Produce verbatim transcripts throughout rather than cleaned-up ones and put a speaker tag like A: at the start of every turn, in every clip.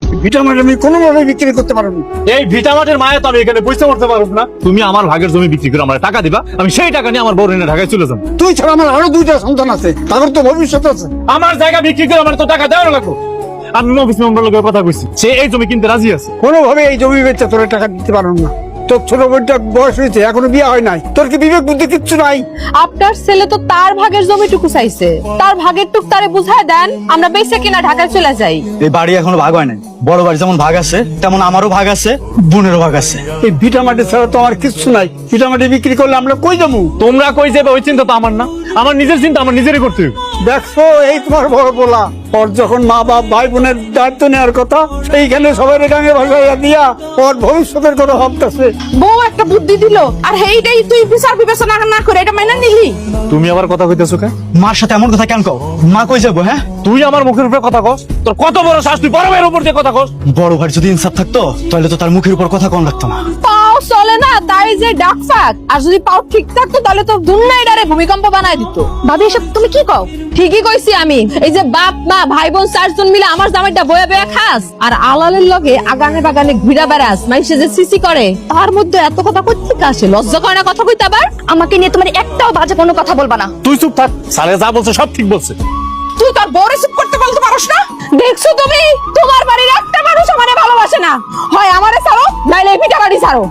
A: ভিটা মাটি আমি কোনোভাবে বিক্রি করতে পারবো না।
B: এই ভিটামাটের মায়া তো আমি এখানে বুঝতে পারতে পারব না। তুমি আমার ভাগের জমি বিক্রি করে আমার টাকা দিবা, আমি সেই টাকা নিয়ে আমার বউ এনে ঢাকায় চলে যাবো।
A: তুই ছাড়া আমার আরো দুইটা সন্তান আছে, তাদের তো ভবিষ্যৎ আছে।
B: আমার জায়গা বিক্রি করে আমার তো টাকা দেওয়ার লাগবে। আমি অফিস মেম্বার লোকের কথা কইছি, সে এই জমি কিনতে রাজি আছে।
A: কোনোভাবে এই জমি বেচে তোর টাকা দিতে পারবো না। তোর ছোট বোনটা বয়স হয়েছে, এখনো বিয়ে হয় নাই, তোর কি বিবেক বুদ্ধি কিচ্ছু নাই?
C: আপনার ছেলে তো তার ভাগের জমিটুকু চাইছে, তার ভাগের টুক তারে বুঝায় দেন, আমরা বেঁচে কিনা ঢাকায় চলে যাই।
D: এই বাড়ি এখনো ভাগ হয় নাই। বড় বাড়ি যেমন ভাগ আছে তেমন আমারও ভাগ আছে, বোনেরও ভাগ আছে।
A: এই ভিটা মাটি ছাড়া তো আমার কিচ্ছু নাই। ভিটা মাটি বিক্রি করলে আমরা কই যাবো?
B: তোমরা কই যাবে ওই চিন্তা তো আমার না, আমার নিজের চিন্তা আমার নিজেরই করতে হবে।
A: দেখছো, এই তোমার বড় বলা, ওর যখন মা বাপ ভাই বোনের দায়িত্ব নেওয়ার কথা, সেইখানে সবাই গাঙে ভাসাইয়া দিয়া ওর ভবিষ্যতের কথা ভাবতেছে।
C: বউ একটা বুদ্ধি দিল, আর হেইটাই তুই বিচার বিবেচনা না করে এটা মাইনা নিলি।
B: তুমি আবার কথা কইতেছো কেন?
D: মার সাথে এমন কথা কেন কও? মা কই যাবো? হ্যাঁ,
B: তুই আমার মুখের উপরে কথা কস? তোর কত বড় শ্বাস, তুই বড় ভাইয়ের উপর দিয়ে কথা কস?
D: বড় ভাই যদি ইনসাফ থাকতো তাহলে তো তার মুখের উপর কথা কম লাগতো না।
C: পাও চলে না তাই যে ডাক ফাক, আর যদি পাও ঠিক থাকতো তাহলে তো দুনিয়ায় ডারে ভূমিকম্প বানায় দিত। ভাবি এসব তুমি কি কও? ঠিকই কইছি আমি। এই যে বাপ মা ভাই বোন চারজন মিলে আমার জামাইটা বয়া বয়া খাস, আর আলালের লগে আগানে বাগানে ঘুরা বেড়াস, মানুষে যে সিসি করে, তার মধ্যে এত কথা কই থেকে আসে? লজ্জা করে না কথা কইতে? আবার আমাকে নিয়ে তোমার একটাও বাজে কোনো কথা বলবা না।
B: তুই চুপ থাক, সালে যা বলছে সব ঠিক বলছে।
C: তুই তোর বউরে চুপ করতে বলতে পারোস না? দেখছো তুমি, তোমার বাড়ির একটা মানুষ আমারে ভালোবাসে না। হয় আমারে ছাড়ো, নাইলে পিঠা বাড়ি ছাড়ো।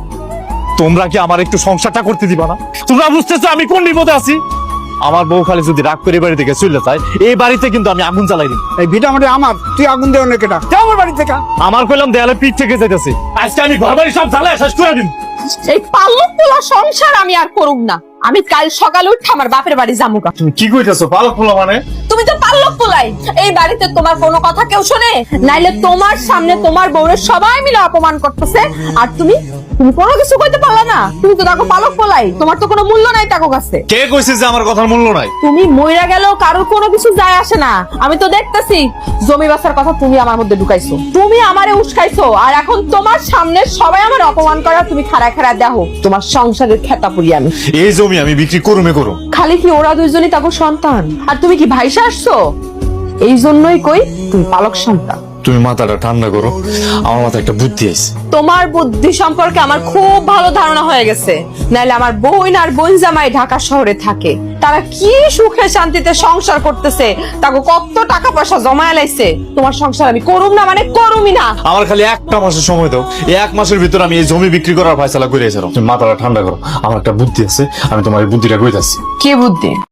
B: তোমরা কি আমার একটু সংসারটা করতে দিবা না? তোমরা বুঝতেছো আমি কোন বিপদে আছি? আমার বউ খালি যদি রাগ করে বাড়ি থেকে চলে যায়, এই বাড়িতে কিন্তু আমি আগুন জ্বালাই দিই।
A: এই ভিটা মাটি আমার, তুই আগুন দেও না কেটা? আমার বাড়ি থেকে
B: আমার কইলাম দেয়ালে পিঠ থেকে যাইতেছে, আজকে আমি ঘর বাড়ি সব জ্বালায় শেষ করে দিন।
C: এই পালক পোলা সংসার আমি আর করুম না। আমি কাল সকালে উঠে আমার বাপের বাড়ি যামুকা।
B: তুমি কি কইতেছো? পালক পোলা মানে?
C: তুমি তো পালক পোলাই। এই বাড়িতে তোমার কোনো কথা কেউ শোনে? নাইলে তোমার সামনে তোমার বউরে সবাই মিলে অপমান করতেছে, আর তুমি তুমি কোনো কিছু কইতে পারলা না। তুমি তো দেখো পালক পোলাই, তোমার তো কোনো মূল্য নাই তাকো কাছে।
B: কে কইছে যে আমার কথার মূল্য নাই?
C: তুমি মইরা গেলেও কারোর কোনো কিছু যায় আসে না। আমি তো দেখতেছি জমি বাসার কথা তুমি আমার মধ্যে ঢুকাইছো, তুমি আমারে উস্কাইছো, আর এখন তোমার সামনে সবাই আমার অপমান করা তুমি খাড়া খাড়া দেখো। তোমার সংসারের খেতা পুরি আমি।
B: এই জমি আমি বিক্রি করুমে করুম।
C: খালি কি ওরা দুইজনই তাকে সন্তান, আর তুমি কি ভাইসা আসছো? এই জন্যই কই তুমি পালক সন্তান।
B: তুমি মাথাটা ঠান্ডা করো, আমার মাথায় একটা বুদ্ধি আছে।
C: তোমার বুদ্ধি সম্পর্কে আমার খুব ভালো ধারণা হয়ে গেছে। নাইলে আমার বোন আর বোন জামাই ঢাকা শহরে থাকে, তারা কি সুখে শান্তিতে সংসার করতেছে, তাকে কত টাকা পয়সা জমায় লাইছে। তোমার সংসার আমি করুম না মানে করুমই না।
B: আমার খালি একটা মাসের সময় দাও, এই এক মাসের ভিতর আমি এই জমি বিক্রি করার ফয়সালা করে এসেছিলাম। তুমি মাথাটা ঠান্ডা করো, আমার একটা বুদ্ধি আছে, আমি তোমার এই বুদ্ধিটা কইতাছি।
C: কি বুদ্ধি?